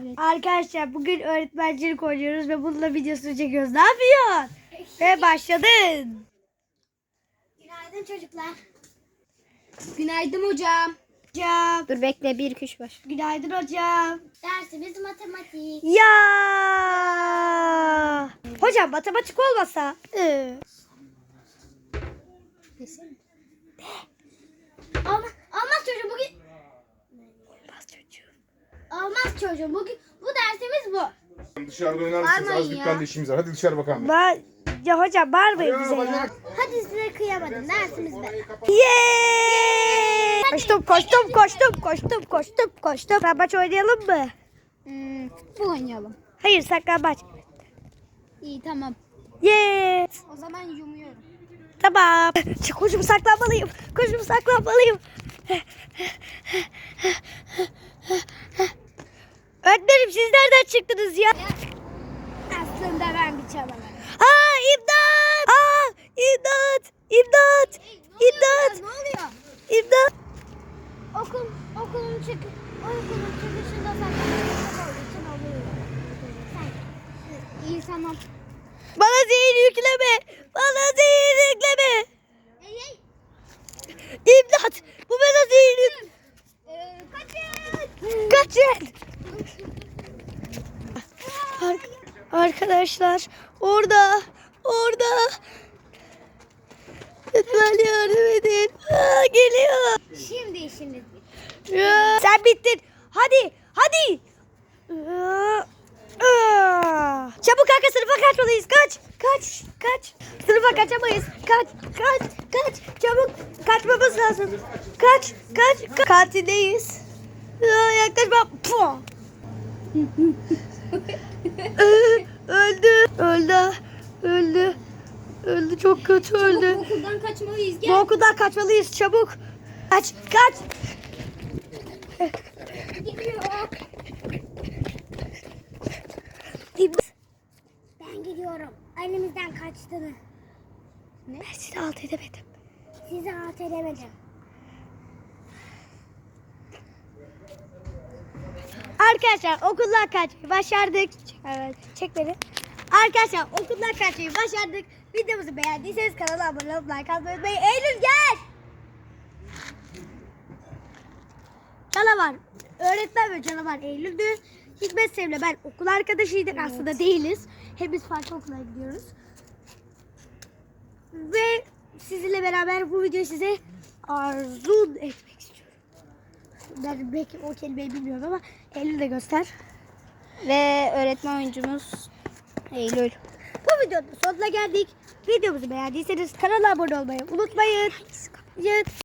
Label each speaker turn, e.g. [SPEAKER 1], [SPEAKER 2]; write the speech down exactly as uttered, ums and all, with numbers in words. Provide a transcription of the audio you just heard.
[SPEAKER 1] Evet.
[SPEAKER 2] Arkadaşlar bugün öğretmencilik oynuyoruz ve bununla videosunu çekiyoruz. Ne yapıyorsun? Ve başladın.
[SPEAKER 3] Günaydın çocuklar.
[SPEAKER 1] Günaydın hocam.
[SPEAKER 2] Hocam.
[SPEAKER 1] Dur bekle bir iki üç baş.
[SPEAKER 2] Günaydın hocam.
[SPEAKER 3] Dersimiz matematik.
[SPEAKER 2] Ya. Hocam matematik olmasa. Ee,
[SPEAKER 3] Olmaz, olmaz çocuğum bugün.
[SPEAKER 2] Olmaz çocuğum.
[SPEAKER 3] Olmaz çocuğum bugün. Bu dersimiz bu.
[SPEAKER 4] Dışarıda oynar mısınız?
[SPEAKER 3] Bağırmayın
[SPEAKER 4] Az
[SPEAKER 3] ya.
[SPEAKER 4] dükkanda işimiz var. Hadi dışarı bakalım.
[SPEAKER 2] Ben, ya hocam bağırmayın bize ya.
[SPEAKER 4] bacak.
[SPEAKER 3] Hadi size kıyamadım. Dersimiz bu.
[SPEAKER 2] Yeee. Koştum koştum koştum koştum koştum koştum. Saklambaç oynayalım mı?
[SPEAKER 1] Hmm, futbol oynayalım.
[SPEAKER 2] Hayır saklambaç.
[SPEAKER 1] İyi tamam.
[SPEAKER 2] Yeee.
[SPEAKER 1] O zaman yumuyorum.
[SPEAKER 2] Tamam. Koşup saklanmalıyım. Koşup saklanmalıyım. Öğretmenim siz nereden çıktınız ya?
[SPEAKER 3] Aslında ben bir çalamadım.
[SPEAKER 2] Aa imdat! Aa imdat! İmdat! İmdat!
[SPEAKER 3] Ne oluyor?
[SPEAKER 2] İmdat!
[SPEAKER 3] Okul, okulun çık, okulun çıkışında saklanmak olduğu için oluyor.
[SPEAKER 1] İyi tamam.
[SPEAKER 2] Bana zehir yükleme! Bana zehir yükleme!
[SPEAKER 3] Ey ey.
[SPEAKER 2] İmdat! Bu bana zehir yük...
[SPEAKER 3] Ee, kaçın.
[SPEAKER 2] Kaçın! Ar- Arkadaşlar orada orada lütfen yardım edin. Aa, geliyor.
[SPEAKER 3] Şimdi işimiz bitti.
[SPEAKER 2] Ya, sen bittin. Hadi hadi. Aa, aa. Çabuk kanka sınıfa kaçmalıyız. Kaç kaç kaç. Sınıfa kaçamayız. Kaç kaç kaç. Çabuk kaçmamız lazım. Kaç kaç. kaç. Kantindeyiz. Aa, yaklaşma. Puh. Öldü. Öldü. Öldü. Öldü. Çok kötü öldü.
[SPEAKER 1] Okuldan kaçmalıyız.
[SPEAKER 2] Bu
[SPEAKER 1] Gel.
[SPEAKER 2] okuldan kaçmalıyız. Çabuk. Kaç. Kaç.
[SPEAKER 3] Gidiyor. Ben gidiyorum. Elimizden kaçtığını.
[SPEAKER 2] Ben seni alt edemedim.
[SPEAKER 3] Sizi alt edemedim.
[SPEAKER 2] Arkadaşlar okuldan kaçmayı başardık. Evet. Çek beni. Arkadaşlar okuldan kaçmayı başardık. Videomuzu beğendiyseniz kanala abone olup like atmayı unutmayın. Eylül gel. Canavar. Öğretmen ve canavar Eylül'dü. Hikmet Sev'le ben okul arkadaşıydık. Aslında değiliz. Hepimiz farklı okula gidiyoruz. Ve sizinle beraber bu videoyu size arzu etmek istiyorum. Ben belki o kelimeyi bilmiyorum ama Eylül de göster.
[SPEAKER 1] Ve öğretmen oyuncumuz Eylül.
[SPEAKER 2] Bu videonun sonuna geldik. Videomuzu beğendiyseniz kanala abone olmayı unutmayın.